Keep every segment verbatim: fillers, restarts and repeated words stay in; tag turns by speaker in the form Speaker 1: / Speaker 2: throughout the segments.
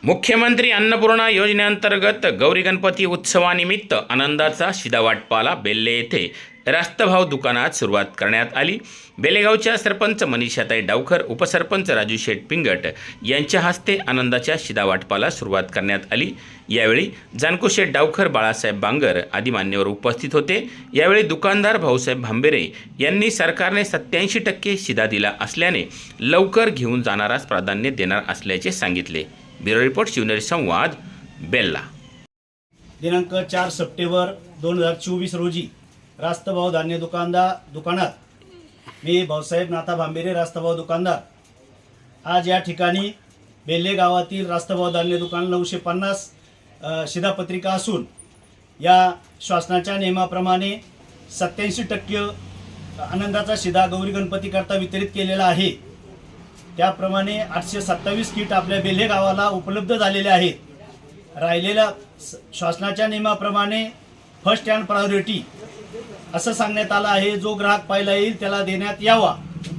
Speaker 1: मुख्यमंत्री अन्नपूर्णा योजनेअंतर्गत गौरी गणपती उत्सवानिमित्त आनंदाचा शिदा वाटपाला बेल्ले येथे रास्तभाव दुकानात सुरुवात करण्यात आली। बेलेगावच्या सरपंच मनीषाताई डावखर, उपसरपंच राजू शेठ पिंगट यांच्या हस्ते आनंदाच्या शिदा वाटपाला सुरुवात करण्यात आली। यावेळी जानकू शेठ डावखर, बाळासाहेब बांगर आदी मान्यवर उपस्थित होते। यावेळी दुकानदार भाऊसाहेब भांबेरे यांनी सरकारने सत्याऐंशी टक्के शिदा दिला असल्याने लवकर घेऊन जाणारास प्राधान्य देणार असल्याचे सांगितले। ब्युरो रिपोर्ट, शिवनेरी संवाद, बेल्ला।
Speaker 2: दिनांक चार सप्टेंबर दोन हजार चोवीस रोजी रास्तभाव धान्य दुकानदार दुकानात मी भाऊसाहेब नाथा भांबेरे, रास्तभाव दुकानदार, आज या ठिकाणी बेल्ले गावातील रास्तभाव धान्य दुकान नऊशे पन्नास शिधापत्रिका असून या शासनाच्या नियमाप्रमाणे सत्याऐंशी टक्के आनंदाचा शिधा गौरी गणपती करता वितरित केलेला आहे। त्याप्रमाणे आठशे सत्तावीस किट आपल्या बेल्ले गावाला उपलब्ध झालेले आहेत। राहिलेल्या शासनाच्या नियमाप्रमाणे फर्स्ट अँड प्रायोरिटी असं सांगण्यात आलं आहे। जो ग्राहक पहिला येईल त्याला देण्यात यावा,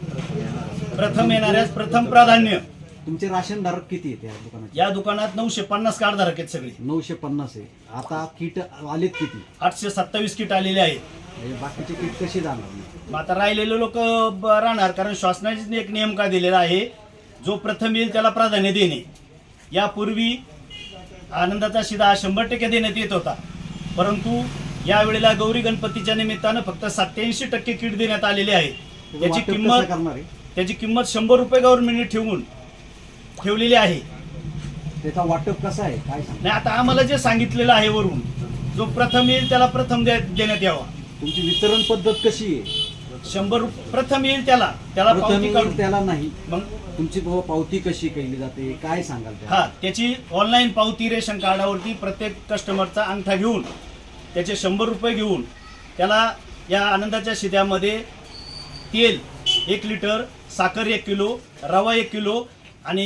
Speaker 2: प्रथम येणाऱ्यास प्रथम प्राधान्य।
Speaker 3: तुमचे राशन धारक किती आहेत या दुकानात?
Speaker 2: या दुकानात नऊशे पन्नास कार्ड धारक आहेत सगळे।
Speaker 3: नऊशे पन्नास आहे। आता किट आलेत किती?
Speaker 2: आठशे सत्तावीस किट आलेले आहेत।
Speaker 3: बाकीचे किट कशी जाणार?
Speaker 2: मग आता राहिलेले लोक राहणार, कारण शासनाने एक नियम का दिलेला आहे, जो प्रथम येईल त्याला प्राधान्य देणे। यापूर्वी आनंदाचा शिधा हा शंभर टक्के देण्यात येत होता, परंतु यावेळेला गौरी गणपतीच्या निमित्तानं फक्त सत्याऐंशी टक्के किट देण्यात आलेले आहे। त्याची किंमत त्याची किंमत शंभर रुपये गव्हर्नमेंटने ठेवून ठेवलेली आहे।
Speaker 3: त्याचा वाटप कसा आहे काय सांग?
Speaker 2: नाही, आता आम्हाला जे सांगितलेलं आहे वरून, जो प्रथम येईल त्याला प्रथम देण्यात यावा।
Speaker 3: तुमची वितरण पद्धत कशी आहे?
Speaker 2: शंभर रुपये प्रथम येईल त्याला त्याला पावती काढून,
Speaker 3: त्याला नाही
Speaker 2: मग
Speaker 3: तुमची पावती कशी केली जाते काय सांगाल?
Speaker 2: हा, त्याची ऑनलाईन पावती रेशन कार्डावरती प्रत्येक कस्टमरचा अंगठा घेऊन त्याचे शंभर रुपये घेऊन त्याला या आनंदाच्या शिध्यामध्ये तेल एक लिटर, साखर एक किलो, रवा एक किलो आणि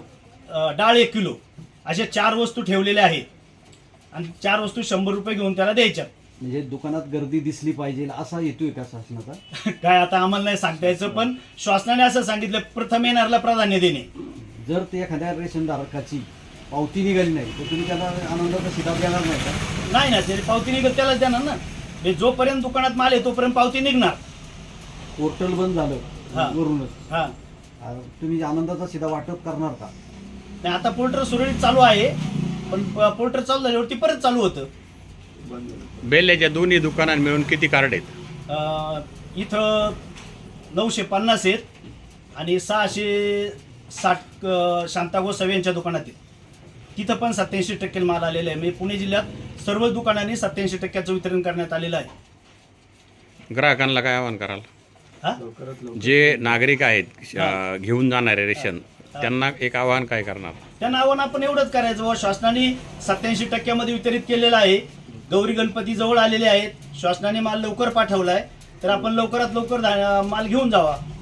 Speaker 2: डाळ एक किलो अशा चार वस्तू ठेवलेल्या आहेत आणि चार वस्तू शंभर रुपये घेऊन त्याला द्यायच्या।
Speaker 3: म्हणजे दुकानात गर्दी दिसली पाहिजे असा येतोय का शासनाचा?
Speaker 2: काय आता आम्हाला नाही सांगता यायचं, पण शासनाने असं सांगितलं प्रथम येणाऱ्याला प्राधान्य देणे।
Speaker 3: जर ते एखाद्या रेशन धारकाची पावती निघाली नाही तर तुम्ही त्याला आनंदाचा शिधा देणार नाही का?
Speaker 2: नाही ना, ते पावती निघत त्यालाच देणार ना। हे जोपर्यंत दुकानात माल आहे तोपर्यंत पावती निघणार।
Speaker 3: पोर्टल बंद झालं वरूनच,
Speaker 2: हा,
Speaker 3: तुम्ही आनंदाचा शिधा वाटप करणार का?
Speaker 2: नाही, आता पोर्टर सुरळीत चालू आहे, पण पोर्टर चालू झाल्यावरती परत चालू होतं।
Speaker 1: बेल्ल्याच्या दोन्ही दुकानात मिळून किती कार्ड आहेत?
Speaker 2: इथं नऊशे पन्नास आहेत आणि सहाशे साठ शांतागो सव्यांच्या दुकानात आहेत। तिथं पण सत्याऐंशी टक्के माल आलेला आहे। म्हणजे पुणे जिल्ह्यात सर्व दुकानांनी सत्याऐंशी टक्क्याचं वितरण करण्यात आलेलं आहे।
Speaker 1: ग्राहकांना काय आवाहन कराल?
Speaker 2: हा,
Speaker 1: जे नागरिक आहेत घेऊन जाणारे रेशन, त्यांना एक आवाहन काय करणार?
Speaker 2: त्या नावानं आपण एवढंच करायचं, व शासनाने सत्याऐंशी टक्क्यामध्ये वितरित केलेलं आहे। गौरी गणपती जवळ आलेले आहेत, शासनाने माल लवकर पाठवलाय, तर आपण लवकरात लवकर माल घेऊन जावा।